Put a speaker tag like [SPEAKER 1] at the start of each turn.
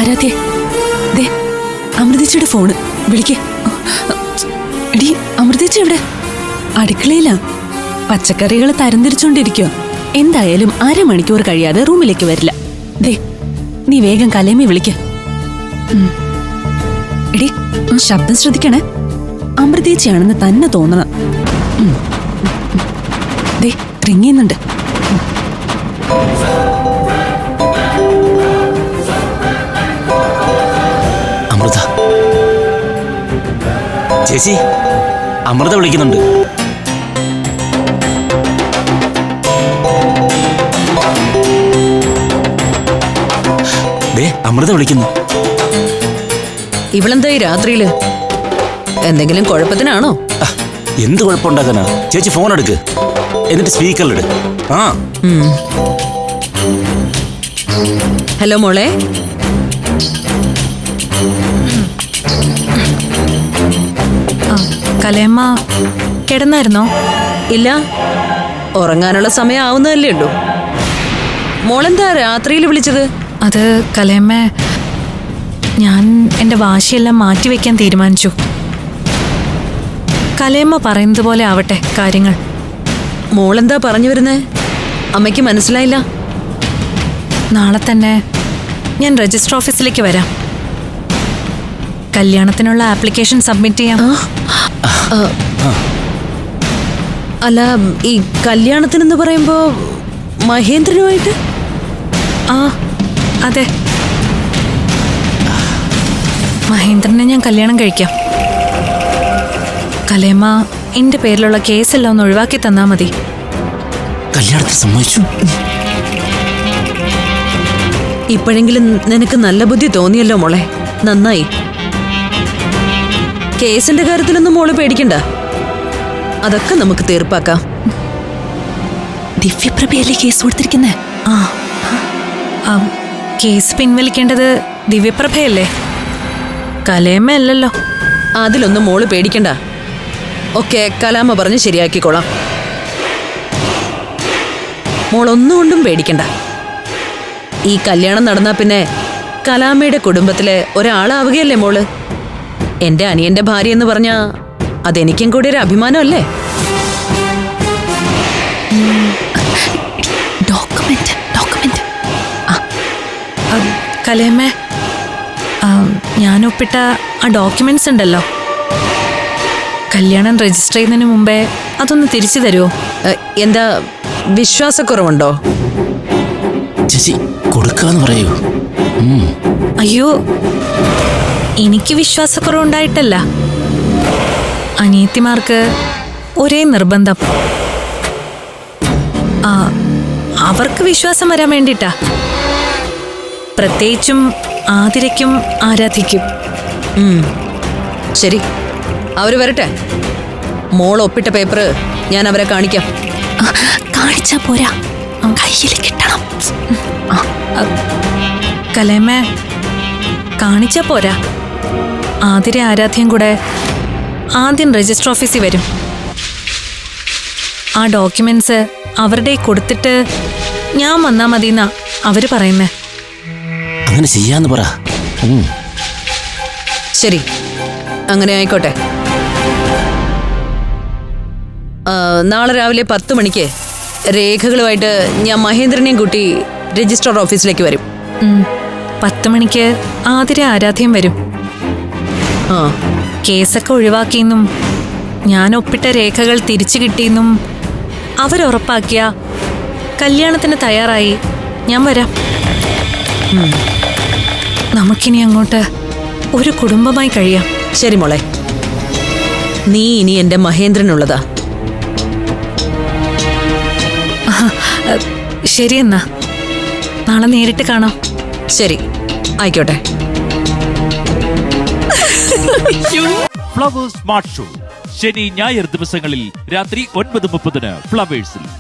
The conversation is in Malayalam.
[SPEAKER 1] ആരാധ്യേ, ദേ അമൃതേച്ചിയുടെ ഫോണ്, വിളിക്കേ. എടി, അമൃതേച്ചി എവിടെ? അടുക്കളയിലാ. പച്ചക്കറികൾ തരംതിരിച്ചോണ്ടിരിക്കോ. എന്തായാലും 1/2 മണിക്കൂർ കഴിയാതെ റൂമിലേക്ക് വരില്ല. ദേ നീ വേഗം കലേമി വിളിക്ക. എടി, ശബ്ദം ശ്രദ്ധിക്കണേ. അമൃതേച്ചിയാണെന്ന് തന്നെ തോന്നണം. ദേ റിങ് ചെയ്യുന്നുണ്ട്.
[SPEAKER 2] അമൃത ചേച്ചി, അമൃത വിളിക്കുന്നുണ്ട്. അമൃത വിളിക്കുന്നു.
[SPEAKER 3] ഇവളെന്താ ഈ രാത്രിയില്? എന്തെങ്കിലും കുഴപ്പത്തിനാണോ?
[SPEAKER 2] എന്ത് കുഴപ്പമുണ്ടാക്കാനാ? ചേച്ചി ഫോൺ എടുക്ക്, എന്നിട്ട് സ്പീക്കറിലിട്. ആ
[SPEAKER 3] ഹലോ മോളെ.
[SPEAKER 4] കലേമ്മ കിടന്നായിരുന്നോ?
[SPEAKER 3] ഇല്ല, ഉറങ്ങാനുള്ള സമയം ആവുന്നതല്ലേ ഉള്ളൂ. മോളെന്താ രാത്രിയിൽ വിളിച്ചത്?
[SPEAKER 4] അത് കലേമ്മ, ഞാൻ എൻ്റെ വാശിയെല്ലാം മാറ്റിവെക്കാൻ തീരുമാനിച്ചു. കലേമ്മ പറയുന്നത് പോലെ ആവട്ടെ കാര്യങ്ങൾ.
[SPEAKER 3] മോളെന്താ പറഞ്ഞു വരുന്നേ? അമ്മയ്ക്ക് മനസ്സിലായില്ല.
[SPEAKER 4] നാളെ തന്നെ ഞാൻ രജിസ്റ്റർ ഓഫീസിലേക്ക് വരാം. കല്യാണത്തിനുള്ള ആപ്ലിക്കേഷൻ സബ്മിറ്റ് ചെയ്യാം.
[SPEAKER 3] അല്ല, ഈ കല്യാണത്തിനെന്ന് പറയുമ്പോ മഹേന്ദ്രനുമായിട്ട്?
[SPEAKER 4] ആ അതെ, മഹേന്ദ്രനെ ഞാൻ കല്യാണം കഴിക്കാം. കലേമ്മ എന്റെ പേരിലുള്ള കേസെല്ലാം ഒന്ന് ഒഴിവാക്കി തന്നാ മതി.
[SPEAKER 2] കല്യാണത്തിന് സമ്മതിച്ചു.
[SPEAKER 3] ഇപ്പോഴെങ്കിലും നിനക്ക് നല്ല ബുദ്ധി തോന്നിയല്ലോ മോളെ, നന്നായി. കേസിന്റെ കാര്യത്തിലൊന്നും മോള് പേടിക്കണ്ട, അതൊക്കെ നമുക്ക് തീർപ്പാക്കാം.
[SPEAKER 1] ദിവ്യപ്രഭയല്ലേ കേസ് കൊടുത്തിരിക്കുന്നേ?
[SPEAKER 4] കേസ് പിൻവലിക്കേണ്ടത് ദിവ്യപ്രഭയല്ലേ, കലേമ്മ അല്ലല്ലോ.
[SPEAKER 3] അതിലൊന്നും മോള് പേടിക്കണ്ട, ഒക്കെ കലാമ്മ പറഞ്ഞ് ശരിയാക്കിക്കോളാം. മോളൊന്നുകൊണ്ടും പേടിക്കണ്ട. ഈ കല്യാണം നടന്നാ പിന്നെ കലാമ്മയുടെ കുടുംബത്തിലെ ഒരാളാവുകയല്ലേ മോള്. എന്റെ അനിയന്റെ ഭാര്യ എന്ന് പറഞ്ഞാ അതെനിക്കും കൂടി ഒരു അഭിമാനമല്ലേ?
[SPEAKER 4] കലേമ്മ, ഞാൻ ഒപ്പിട്ട ആ ഡോക്യുമെന്റ്സ് ഉണ്ടല്ലോ, കല്യാണം രജിസ്റ്റർ ചെയ്യുന്നതിന് മുമ്പേ അതൊന്ന് തിരിച്ചു തരുമോ?
[SPEAKER 3] എന്താ വിശ്വാസക്കുറവുണ്ടോ?
[SPEAKER 2] ചേച്ചി കൊടുക്കാന്ന് പറയൂ.
[SPEAKER 4] അയ്യോ, എനിക്ക് വിശ്വാസക്കുറവുണ്ടായിട്ടല്ല. അനിയത്തിമാർക്ക് ഒരേ നിർബന്ധം, അവർക്ക് വിശ്വാസം വരാൻ വേണ്ടിട്ടാ. പ്രത്യേകിച്ചും ആതിരയ്ക്കും ആരാധിക്കും.
[SPEAKER 3] ശരി, അവര് വരട്ടെ. മോൾ ഒപ്പിട്ട പേപ്പർ ഞാൻ അവരെ കാണിക്കാം.
[SPEAKER 1] കാണിച്ചാ പോരാ, കയ്യിൽ കിട്ടണം.
[SPEAKER 4] കലേമ്മ, കാണിച്ചാ പോരാ. ആതിര ആരാധ്യം കൂടെ ആദ്യം രജിസ്റ്റർ ഓഫീസിൽ വരും. ആ ഡോക്യുമെന്റ്സ് അവരുടെ കൊടുത്തിട്ട് ഞാൻ വന്നാ മതിന്നാ അവര് പറയുന്നേ.
[SPEAKER 2] അങ്ങനെ ചെയ്യാന്ന് പറ.
[SPEAKER 3] ശരി, അങ്ങനെ ആയിക്കോട്ടെ. നാളെ രാവിലെ 10 മണിക്ക് രേഖകളുമായിട്ട് ഞാൻ മഹേന്ദ്രനെയും കൂട്ടി രജിസ്ട്രാർ ഓഫീസിലേക്ക് വരും.
[SPEAKER 4] 10 മണിക്ക് ആതിര ആരാധ്യം വരും. കേസൊക്കെ ഒഴിവാക്കിയെന്നും ഞാൻ ഒപ്പിട്ട രേഖകൾ തിരിച്ചു കിട്ടിയെന്നും അവരുറപ്പാക്കിയ കല്യാണത്തിന് തയ്യാറായി ഞാൻ വരാം. നമുക്കിനി അങ്ങോട്ട് ഒരു കുടുംബമായി കഴിയാം.
[SPEAKER 3] ശരി മോളെ, നീ ഇനി എന്റെ മഹേന്ദ്രനുള്ളതാ.
[SPEAKER 4] ശരി, എന്നാ നാളെ നേരിട്ട് കാണാം.
[SPEAKER 3] ശരി, ആയിക്കോട്ടെ.
[SPEAKER 5] ഫ്ലവേഴ്സ് സ്മാർട്ട് ഷോ ശനി ഞായർ ദിവസങ്ങളിൽ രാത്രി 9:30 ഫ്ലവേഴ്സിൽ.